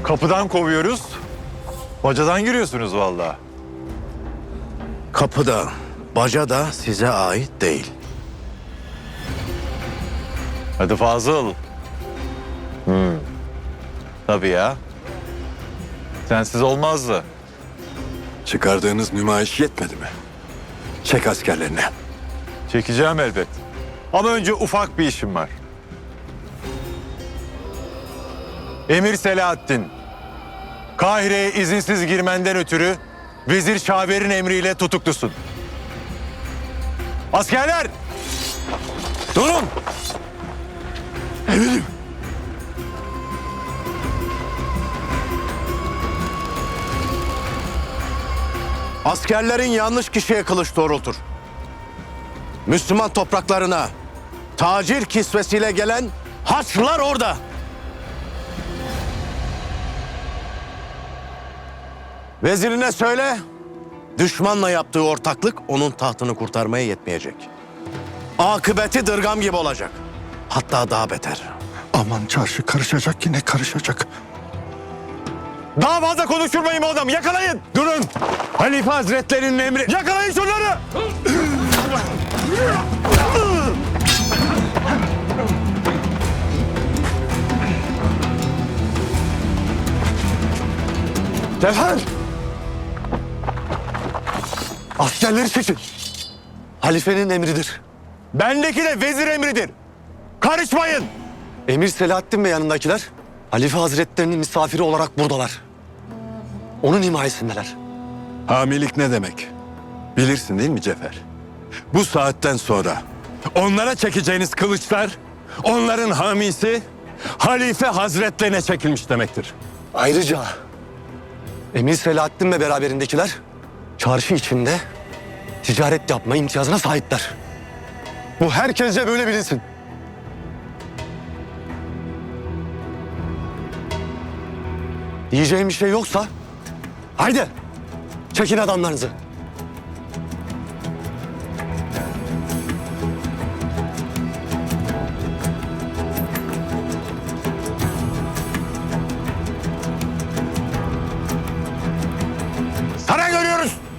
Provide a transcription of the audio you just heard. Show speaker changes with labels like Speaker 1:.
Speaker 1: Kapıdan kovuyoruz. Bacadan giriyorsunuz vallahi.
Speaker 2: Kapıda, baca da size ait değil.
Speaker 1: Hadi Fazıl. Tabii ya. Sensiz olmazdı.
Speaker 3: Çıkardığınız nümayiş yetmedi mi? Çek askerlerini.
Speaker 1: Çekeceğim elbet. Ama önce ufak bir işim var. Emir Selahaddin, Kahire'ye izinsiz girmenden ötürü Vezir Şaver'in emriyle tutuklusun. Askerler! Durun!
Speaker 3: Emirim.
Speaker 2: Askerlerin yanlış kişiye kılıç doğrultur. Müslüman topraklarına tacir kisvesiyle gelen Haçlılar orada. Vezirine söyle, düşmanla yaptığı ortaklık onun tahtını kurtarmaya yetmeyecek. Akıbeti dırgam gibi olacak. Hatta daha beter.
Speaker 3: Aman çarşı karışacak, yine karışacak.
Speaker 1: Daha fazla konuşturmayın bu adamı. Yakalayın. Durun.
Speaker 2: Halife Hazretlerinin emri...
Speaker 1: Yakalayın şunları.
Speaker 2: Cevher! Askerleri çekin. Halifenin emridir.
Speaker 1: Bendeki de vezir emridir. Karışmayın.
Speaker 4: Emir Selahaddin ve yanındakiler Halife Hazretlerinin misafiri olarak buradalar. Onun himayesindeler.
Speaker 3: Hamilik ne demek? Bilirsin değil mi Cefer? Bu saatten sonra onlara çekeceğiniz kılıçlar, onların hamisi Halife Hazretlerine çekilmiş demektir.
Speaker 4: Ayrıca Emir Selahaddin ve beraberindekiler çarşı içinde ticaret yapma imtiyazına sahipler. Bu herkesce böyle bilinsin. Diyeceğim bir şey yoksa haydi çekin adamlarınızı.
Speaker 1: Saray görüyoruz.